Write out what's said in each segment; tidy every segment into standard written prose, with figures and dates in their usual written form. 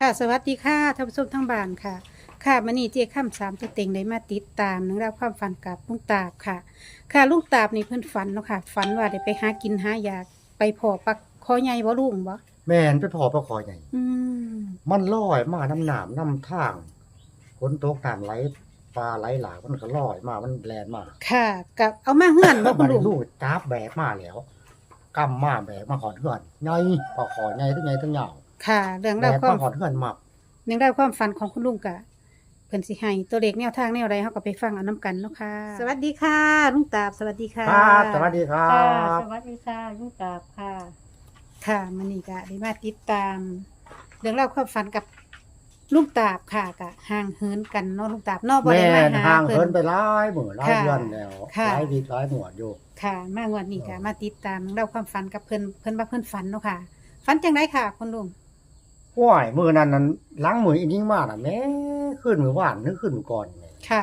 ค่ะสวัสดีค่ะท่านผู้ชมทั้งบ้านค่ะค่ะมื้อนี้เจ๊ค่ำสามตัวเต็งได้มาติดตามเรื่องราวความฝันกับลุงตาบค่ะค่ะลุงตาบนี่เพิ่นฝันเนาะค่ะฝันว่าได้ไปหากินหายากไปพอปักคอใหญ่บ่ลุงบ่แม่นไปพอปลาคอใหญ่อืมมันลอยมาน้ำหนามน้ำทางฝนตกน้ำไหลปลาไหลหลากมันก็ลอยมามันแลนมาค่ะกับเอามาเฮือนบ่คุบัณดลุนี้งลูกจับแบกมาแล้วกำมาแบกมาขอนเฮือนใหญ่ปลาคอใหญ่ทั้งใหญ่ทั้งยาวค่ะเรื่องแบราวกความมาขอนเฮือนมาเรื่องราวความฝันของคุณลุงกะเพิ่นสิให้ตัวเลขแนวทางแนวใดเฮาก็ไปฟังเอานํกันเนาะค่ะสวัสดีค่ะลุงตาบสวัสดีค่ะครับสวัสดีครัค่ะบสวัสดีค่ะลุงกราบค่ะค่ะมื้อนี้ก็ได้มาติดตามเรื่องราวความฝันกับลุงตาบค่ะก็ห่างเหินกันเนาะลุงตาบเนาะบ่แม่ได้มาน หาห่างเพิ่เหินนไปหลายมื้อหลายค่ะเดือนแล้วค่ะหลายวีหลายหมวดอยู่ค่ะมางวดนี้ก็มาติดตามเรื่องราวความฝันกับเพิ่นว่าเพิ่นฝันเนาะค่ะฝันจังไดค่ะคุณลุงห้วยมื้อนั้นล้างมืออีกยิ่งมากน่ะแม่ขึ้นมื้อวานนึกขึ้นมื้อก่อนแม่ค่ะ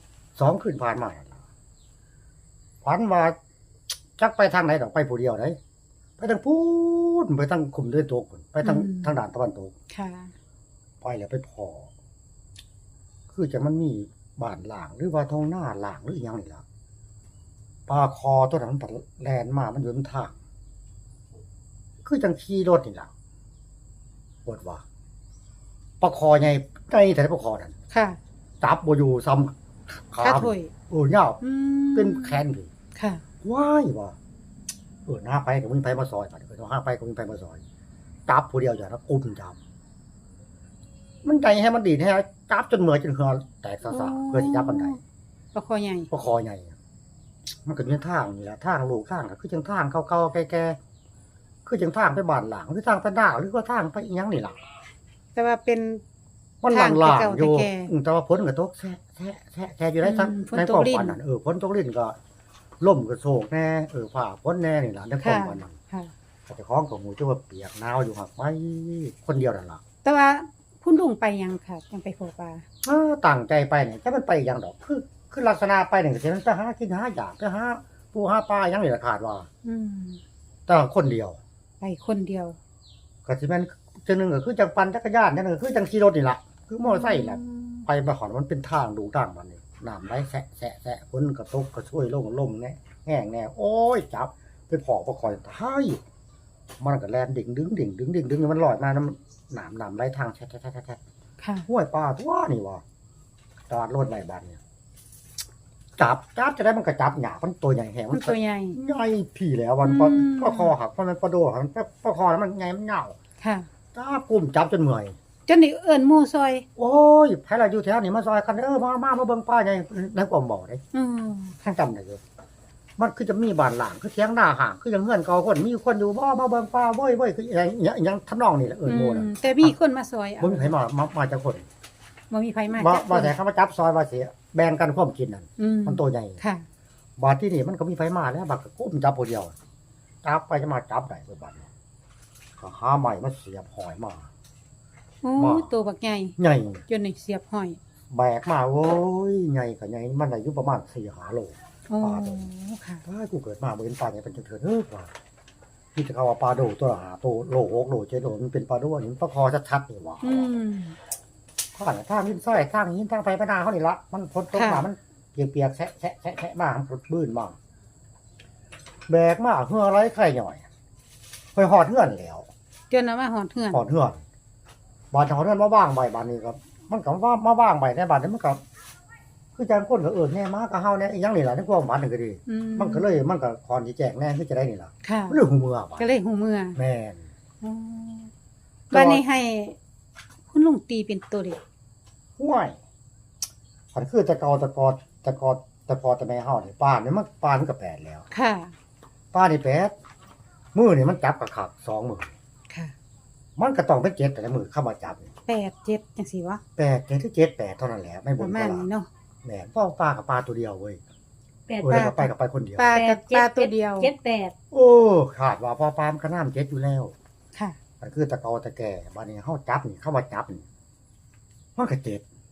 2คืนผ่านมาแล้วล่ะฝันว่าจักไปทางไหนดอกไปผู้เดียวได้ไปทางพูนไปทางคุมด้วยตัวพุ่นไปทางทางด้านตะวันตกค่ะไปแล้วไปพอ คือจะมันมีบ้านหลางหรือว่าท้องหน้าหลางหรืออหยังนี่ล่ะปลาคอตัวนั้นมันแลนมามันอยู่บนทาง คือจังขี่รถนี่ล่ะปวดว่าปลาคอใหญ่ใกล้แต่ปลาคอนั่นค่ะจับบ่อยู่ซ้ำขาค่าถ้วยโอ้ยาวอืมเป็นแขนพี่ค่ะว้ายว่ะหน้าไปกับมึงไปมาซอยป่ะต้องห้าไปกับมึงไปมาซอยจับผู้เดียวอย่างนั้นกุมจับมันใจให้มันดีให้จับจนเหมือจนเหือแตกสะสะเพื่อที่จับมันได้ปลาคอใหญ่ก็คอใหญ่มันก็เป็นทางนี่แหละทางลูกทางก็คือจังทางเก่าๆแก่ๆคือจังทางไปบ้านหลังหรือทางไปหน้าหรือว่าทางไปอีหยังนี่ล่ะแต่ว่าเป็นมันหลังๆอยู่ทางเก่าๆแต่ว่าฝนก็ตกแท้อยู่ได้ทั้งฝนในตคกวามลิ้นฝันนั่นฝนตกลิ้นก็ล่มก็โศกแน่ฝ่าฝนแน่นี่ล่ะในความฝันนั้นค่ะแต่เจ้าของของหมูจะว่าเปียกหนาวอยู่หักไว้คนเดียวนั่นล่ะแต่ว่าคุณลุงไปยังค่ะยังไปพอปลาตั้งใจไปเนี่ยถ้ามันไปอย่างดอกคือลักษณะไปเนี่ยจะไปหากินหาอยากไปหาปูหาปลาอย่างนี้ละขาดว่าอืมแต่คนเดียวไปคนเดียวก็สิแม่นจังหนึงก็คือจังปั่นจักรยานจังหนึงก็คือจังขี่รถนี่ล่ะคือมอเตอร์ไซค์แหละไปมาขอนมันเป็นทางดูทางมันนี่น้ำไหลแสะฝนก็ตกก็ช่วยลมแน่แห้งแน่โอ้ยจับไปพอประคอยท้ายมันก็แล่นดิ่งดึงมันลอยมาน้ำไหลทางแท้ๆค่ะห้วยปลาตัวนี่วะจอดรถไว้บ้านเนี่ยจับจะได้มันก็จับหยามันตัวใหญ่แหงมันตัวใหญ่ใหญ่พี่แล้วมันอืมปลาคอหักมันปลาโดหักปลาคอแล้วมันใหญ่มันเหงาค่ะจับกลุ่มจับจนเมื่อยจนนี่เอิ้นหมู่ซอยโอ้ยไผล่ะอยู่แถวนี้มาซอยกันมาเบิ่งปลาใหญ่ในความบ่ได้อืมท่านจำได้อยู่มันคือจะมีบ้านหลังคือเถียงหน้าห่างคืออย่างเฮือนเก่าคนมีคนอยู่บ่มาเบิ่งปลาเว้ยคืออย่างทำนองนี่แหละหมู่น่ะแต่มีคนมาซอยเอาบ่มีไผมาจากคนบ่มีไผมาว่าจักคนว่าแต่เขามาจับซอยว่าสิแบ่งกันความกินนั่นอืมมันตัวใหญ่ค่ะบาดที่นี่มันก็มีไฟมาแล้วบักก็ก้มจับผู้เดียวจับไปจะมาจับได้เบิดบัดนี้ก็หาใหม่มาเสียบหอยมาโอ้มาตัวบักใหญ่ใหญ่จนนี่เสียบห้อยแบกมาโอ้ยใหญ่ก็ใหญ่มันอายุประมาณ4-5 โลโอ้ปลาโดค่ะถ้ากูเกิดมาบ่เห็นปลาเนี่ยเป็นจังเถิดว่าที่จะเขาว่าปลาโดตัวละ5 โตโล6 โล7 โลมันเป็นปลาโดอันนี้ปลาคอชัดๆนี่ว่าอืมข้างทางหินซ้อยทางหินทางไฟพนาเขานี่ละมันฝนตกมาค่ะมันเปียกๆแฉะมามันบื้นมาแบกมาเหือไรไข่หน่อยไปหอดเหือนแล้วจนเอามาหอดเฮือนหอดเหือนบานหอดเหือนมาว่างใบบานนี้ครับมันก็ว่ามาว่างใบในบานนี้มันก็คือจังคนก็แน่มาก็เฮาแน่อีหยังนี่ล่ะในความหมายนึงก็ดีอืมันก็เลยมันก็คอนสิแจกแน่คือจะได้นี่ล่ะค่ะเรื่องหูมือบ่ก็เลยหูเมื่อแม่นอ๋อบัดนี้ให้ คุณลุงตีเป็นตัวเด็กห้วยอันคือตะกอแต่แม่เฮานี่ป้านี่มันป้ามันก็แปดแล้วค่ะป้านี่แปดมือนี่มันจับกระขัก2 มือค่ะมันก็ต้องเป็น7แต่ละมือเข้ามาจับนี่ 8 7จังซี่วะ 8 7หรือ7 8เท่านั้นแหละไม่ปบ่ระนมาณก็นี้เนาะแม่นเพราะปลากับปลาตัวเดียวเว้ยแปดแล้วก็ไปกับไปคนเดียวปลากับปลาตัวเดียวเจ็ดแปดโอ้ขาดว่าพอปลามันก็น้ำ7อยู่แล้วค่ะมันคือตะกอตะแก่บัดนี้เฮาจับนี่เข้ามาจับนี่มันก็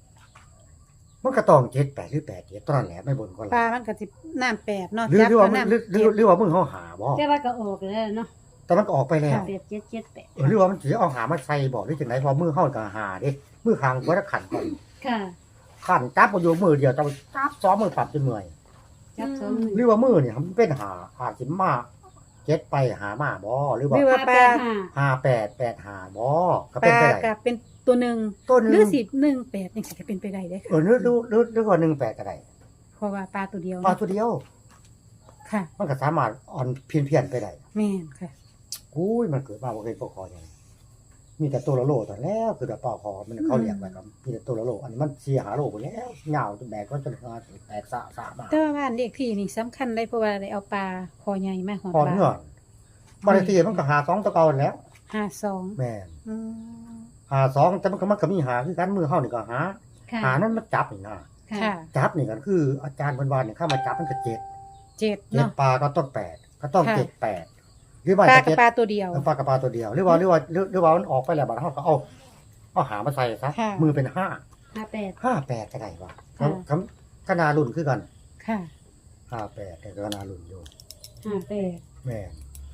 7มันก็ต้อง7 8หรือ8 7เท่านั้นแหละไม่บ่นก็ปลาละมันก็สิน้ำ8เนาะหรือจับว่าก็มึงน้ำหรือว่ามึงเฮาหาบ่แต่ว่าก็ออกแล้วเนาะแต่มันก็ออกไปแล้ว 8778 หรือว่ามันสิเอาหามาใส่บ่หรือจังได๋พอมือเฮาก็หาเด้มือข้างบ่ได้ขันก่อนค่ะขันจับบ่อยู่มือเดียวจับสองมือปรับจนเมื่อยจับสองมือหรือว่ามือเนี่ยมันเป็นหาสิมาเจ็ดไปหามาบ่หรือว่าหรือว่าปลา 5885บ่ก็ปเป็นลาไปได้กับเป็นตัวหนึ่งต้นหนึรือง 18นี่สิจะเป็นไปได้เด้อค่ะหรือว่า18ก็ได้เพราะว่าปลาตัวเดียวปลาตัวเดียวค่ะมันก็สามารถอ่อนเพี้ยนๆไปได้แม่นค่ะอุ้ยมันเกิดมาบ่เคยปกคออย่างนี้มีแต่ตัวละโลตอนแล้วคือแต่ปอกคอมันเขาเรียกไว้ครับมีแต่ตัวละโลอันนี้มัน4 5โลไปแล้วยาวจนแบกก็จนแตกสะมาแต่ว่าบ้านเลขที่นี่สำคัญได้เพราะว่าได้เอาปลาคอใหญ่มาหอดพอปลาเงื่อนบางทีมันก็หา2ตัวเก่าแล้ว 52 แม่นอืมหา2แต่มันก็มีหาคือกันมือเฮานี่ก็หาค่ะหานั้นมันจับนี่นะค่ะค่ะจับนี่ก็คืออาจารย์เพิ่นว่าเนี่ยเข้ามาจับมันก็7 7เนาะ 7ปลาก็ต้อง8ก็ต้องค่ะ 7 8หรือว่าปลาจะกับเจ็ดปลาตัวเดียวปลากับปลาตัวเดียวหรือว่ามันออกไปแล้วบัดเฮาก็เอาหามาใส่ซะค่ะมือเป็น5 58 58ก็ได้ว่ะค่ะคณารุ่นคือกันค่ะ 58แต่ก็คณารุ่นอยู่ 58 แม่น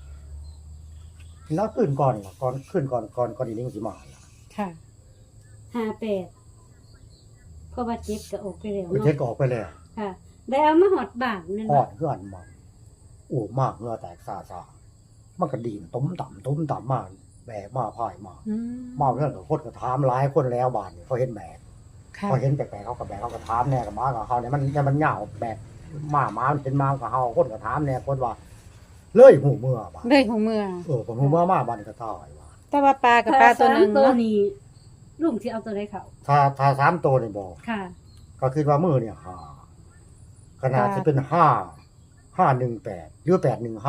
แล้วขึ้นก่อนล่ะขึ้นก่อนอีลิงสิมาล่ะค่ะ 58เพราะว่าเจ็บก็ออกไปแล้วเทเนาะศก็ออกไปแล้วค่ะ ได้เอามาหอดบ้านนั่นฮอเนาะดเฮือนมาโอ้มากเหงื่อแตกซ่าๆมันก็ดีนต้มต่ำมาแบกมาพายมาอืมมาเรื่องกับคนก็ถามหลายคนแล้วบาดนี่เขาเห็นแบกค่ะเขาเห็นแปลกๆเขาก็แบกเขาก็ถามแน่กับมากับเขาเนี่ยมันเหงาแบกมามันเป็นมากับเฮาคนก็ถามแน่คนว่าเลยหูเมื่อบาดเลยหูเมื่อผมหูเมื่อมาบาดนี่ก็ตายว่าแต่ว่าปลากับปลาตัวหนึงตัวเนาะนี้ลุงสิเอาตัวใดเขาถ้า3ตัวนี่บ่ค่ะก็คิดว่ามือเนี่ยขนาดจะเป็น518หรือ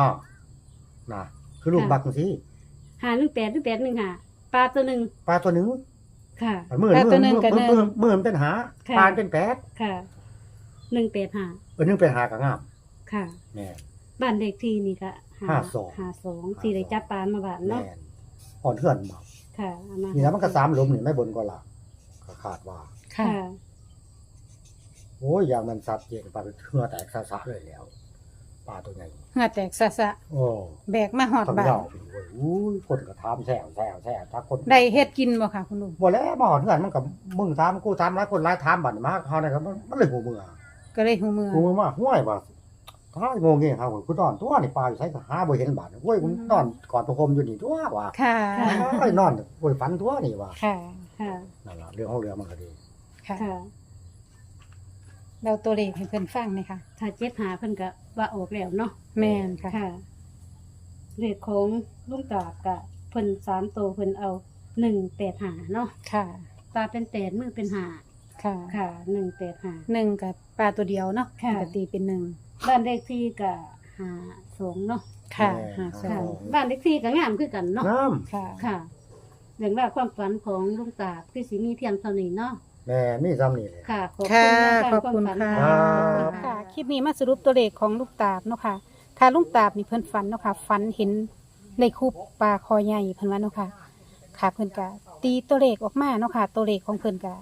815นะคือลูกบักจังซี่ 518หรือ815ปลาตัวหนึงปลาตัวหนึงค่ะมือมันเป็นหาค่ะปลาเป็นแปดค่ะ185 นึงเป็นหากะงามค่ะแม่นบ้านเลขที่นี่ก็ 52 52ที่ได้จับปลามาบ้านเนาะแม่นอ่อนเทื่อนมาค่ะเอามานี่แล้วมันก็3หลุมนี่ไม่บนก็ล่ะก็คาดว่าค่ะค่ะโอ้ยอย่างมันสัตว์เจนปลาเป็นเทื่อแตกซะเลยแล้วปลาตัวใหญ่เหงื่อแตกสะสะโอ้แบกมาหอดทั้งบ้านยาวไปด้วยอุ้ยคนก็ถามแซวถ้าคนได้เฮ็ดกินบ่ค่ะคุณลุงบ่แล้วมาหอดเทื่อนมันก็มึงถามกูถามหลายคนหลายถามบัดมาเฮานี่ก็มันเลยหูมือก็เลยหูเมื่อกูมาห้วยว่าถ้างงเงี้ยครับกูนอนตัวนี่ปลาอยู่ไสก็หาบ่เห็นบาดโอ้ยกูนอนกอดประคมอยู่นี่ตัวว่าค่ะไอ้นอนโอ้ยฝันตัวนี่ว่าค่ะค่ะนั่นล่ะเรื่องของเรือมันก็ดีค่ะค่ะเราตัวเลขให้เพิ่นฟังหน่อยค่ะถ้าเจ็บหาเพิ่นก็ว่าออกแล้วเนาะแม่นค่ะค่ะเลขของลุงตาบกะเพิ่น3ตัวเพิ่นเอา185เนาะค่ะปลาเป็น8มือเป็น5 ค่ะค่ะ185 หนึ่งกับปลาตัวเดียวเนาะค่ะปกติเป็นหนึ่งบ้านเลขที่ก็52เนาะค่ะแม่หาสอค่ะงบ้านเลขที่ก็งามคือกันเนาะน้ำค่ะค่ะเรื่องราวความฝันของลุงตาบคือสิมีเพียงเท่านี้เนาะแม่นี่ซ้ำนี่เลยค่ะ ขอบค่ะคุณขอบคุณค่ะครับค่ะ คลิปนี้มาสรุปตัวเลขของลูกตาบเนาะค่ะ ค่ะลูกตาบนี่เพิ่นฝันเนาะค่ะฝันเห็นในคูปปลาคอใหญ่เพิ่นว่าเนาะค่ะ ค่ะเพิ่นกะตีตัวเลขออกมาเนาะค่ะ ตัวเลขของเพิ่นกะ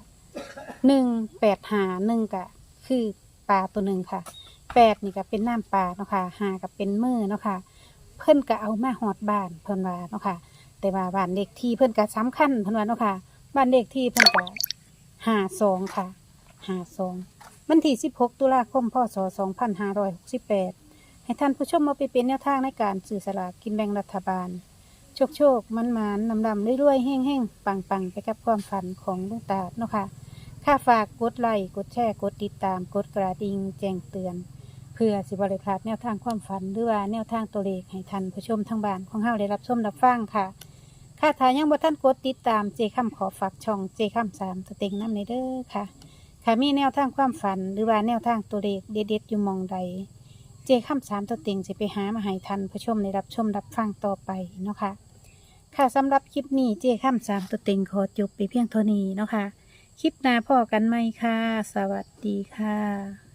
185กะคือปลาตัวหนึ่งค่ะ8นี่ก็เป็นน้ำปลาเนาะค่ะ5ก็เป็นมือเนาะค่ะ เพิ่นก็เอามาฮอดบ้านเพิ่นว่าเนาะค่ะ แต่ว่าบ้านเลขที่เพิ่นก็สำคัญเพิ่นว่าเนาะค่ะ บ้านเลขที่เพิ่นก็52ค่ะ52วันที่16ตุลาคมพศ2568ให้ท่านผู้ชมมาไปเป็นแนวทางในการซื้อสลากกินแบ่งรัฐบาล โชคๆมันๆนำๆรวยๆแห้งๆปังๆไปกับความฝันของลุงตาบเนาะค่ะค่าฝากกดไลค์กดแชร์กดติดตามกดกระดิ่งแจ้งเตือน เพื่อสิบริพลาดแนวทางความฝันหรือว่าแนวทางตัวเลขให้ท่านผู้ชมทางบ้านของเฮาได้รับชมรับฟังค่ะ ค่ะถ้ายังบ่ท่านกดติดตามเจค่ำขอฝากช่องเจค่ำ3ตัวเต็งน้ำในเด้อค่ะ ค่ะมีแนวทางความฝันหรือว่าแนวทางตัวเลขเด็ดๆอยู่หมองใด เจค่ำ3ตัวเต็งจะไปหามาให้ท่านผู้ชมได้รับชมรับฟังต่อไปเนาะค่ะ ค่ะสำหรับคลิปนี้เจค่ำ3ตัวเต็งขอจบไปเพียงเท่านี้เนาะค่ะ คลิปหน้าพอกันไหมค่ะ สวัสดีค่ะ